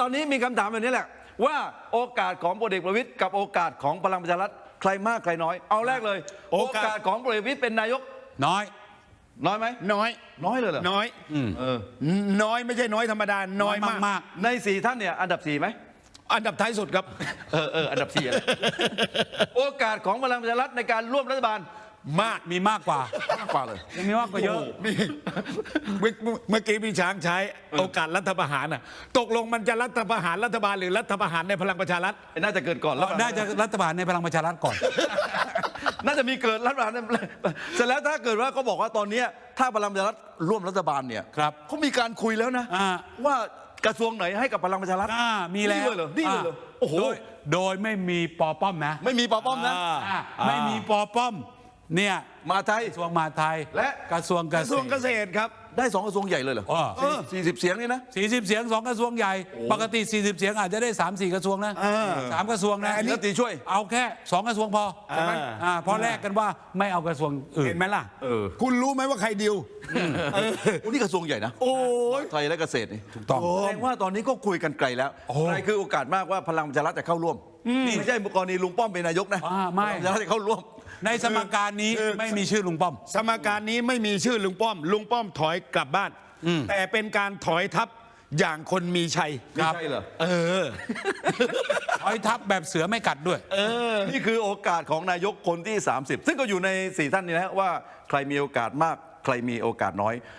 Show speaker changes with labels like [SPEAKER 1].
[SPEAKER 1] ตอนนี้มีคำถามแบบนี้แหละว่าโอกาสของพลเอกประวิตรกับโอกาสของพลังประชารัฐใครมากใครน้อยเอาแรกเลยโอกาสของพลเอกประวิตรเป็นนายก
[SPEAKER 2] น้อย
[SPEAKER 1] น้อยไหม
[SPEAKER 3] น้อย
[SPEAKER 1] น้อยเลยเหรอ
[SPEAKER 3] น้อยน้อยไม่ใช่น้อยธรรมดาน้อยมาก
[SPEAKER 1] ใน4ท่านเนี่ยอันดับ4ไหม
[SPEAKER 3] อันดับท้ายสุดครับ
[SPEAKER 1] อันดับ4อะไร โอกาสของพลังประชารัฐในการร่วมรัฐบาล
[SPEAKER 2] มีมากกว่า
[SPEAKER 1] มากกว่าเลย
[SPEAKER 2] ยังมีมากกว่าเยอะ
[SPEAKER 3] เมื่อกี้พี่ช้างใช้โอกาสรัฐประหารน่ะตกลงมันจะรัฐประหารรัฐบาลหรือรัฐประหารในพลังประชารัฐ
[SPEAKER 1] น่าจะเกิดก่อนแล้ว
[SPEAKER 2] น่าจะรัฐบาลในพลังประชารัฐก่อน
[SPEAKER 1] น่าจะมีเกิดรัฐบาลเสร็จแล้วถ้าเกิดว่าเขาบอกว่าตอนนี้ถ้าพลังประชารัฐร่วมรัฐบาลเนี่ย
[SPEAKER 2] ครับ
[SPEAKER 1] เขามีการคุยแล้วนะ ว่ากระทรวงไหนให้กับพลังประชารัฐ
[SPEAKER 2] มีแล้ว
[SPEAKER 1] นี่เลยเหรอโอ้โห
[SPEAKER 2] โดยไม่มีปอป้อมนะ
[SPEAKER 1] ไม่มีปอป้อมนะ
[SPEAKER 2] ไม่มีปอป้อมเนี่ย
[SPEAKER 1] มาไทย
[SPEAKER 2] กระทรวงมหาดไทย
[SPEAKER 1] และ
[SPEAKER 2] กระทรวงเก
[SPEAKER 3] กระทรวงเก
[SPEAKER 2] ษตร
[SPEAKER 3] ษตรครับ
[SPEAKER 1] ได้2กระทรวงใหญ่เลยเหรอ 40 เสียงนี่นะ
[SPEAKER 2] 40 เสียง2กระทรวงใหญ่ ปกติ 40 เสียงอาจจะได้ 3-4 กระทรวงนะ3 กระทรวงนะ
[SPEAKER 1] อันนี้ตีช่วย
[SPEAKER 2] เอาแค่ 2 กระทรวงพอใช่ไหมเพราะแลกกันว่าไม่เอากระทรวงอื่น
[SPEAKER 3] เห็นไหมล่ะคุณรู้ไหมว่าใครดิว
[SPEAKER 1] โอ้นี่กระทรวงใหญ่นะ
[SPEAKER 3] โอ้ย
[SPEAKER 1] ไทยและเกษตรนี่
[SPEAKER 2] ถูกต้อง
[SPEAKER 1] แสดงว่าตอนนี้ก็คุยกันไกลแล้วใครคือโอกาสมากว่าพลังประชารัฐจะเข้าร่วมนี่ไม่ใช่กรณีลุงป้อมเป็นนายกนะ
[SPEAKER 2] ไม่
[SPEAKER 1] พลังประชารัฐจะเข้าร่วม
[SPEAKER 2] ในสมการนี้ไม่มีชื่อลุงป้อม
[SPEAKER 3] สมการนี้ไม่มีชื่อลุงป้อมลุงป้อมถอยกลับบ้าน แต่เป็นการถอยทับอย่างคนมีชัย
[SPEAKER 1] ไม่ใช่เหรอ
[SPEAKER 2] ถอยทับแบบเสือไม่กัดด้วย
[SPEAKER 1] นี่คือโอกาสของนายกคนที่ 30 ซึ่งก็อยู่ใน4ท่านนี้นะว่าใครมีโอกาสมากใครมีโอกาสน้อย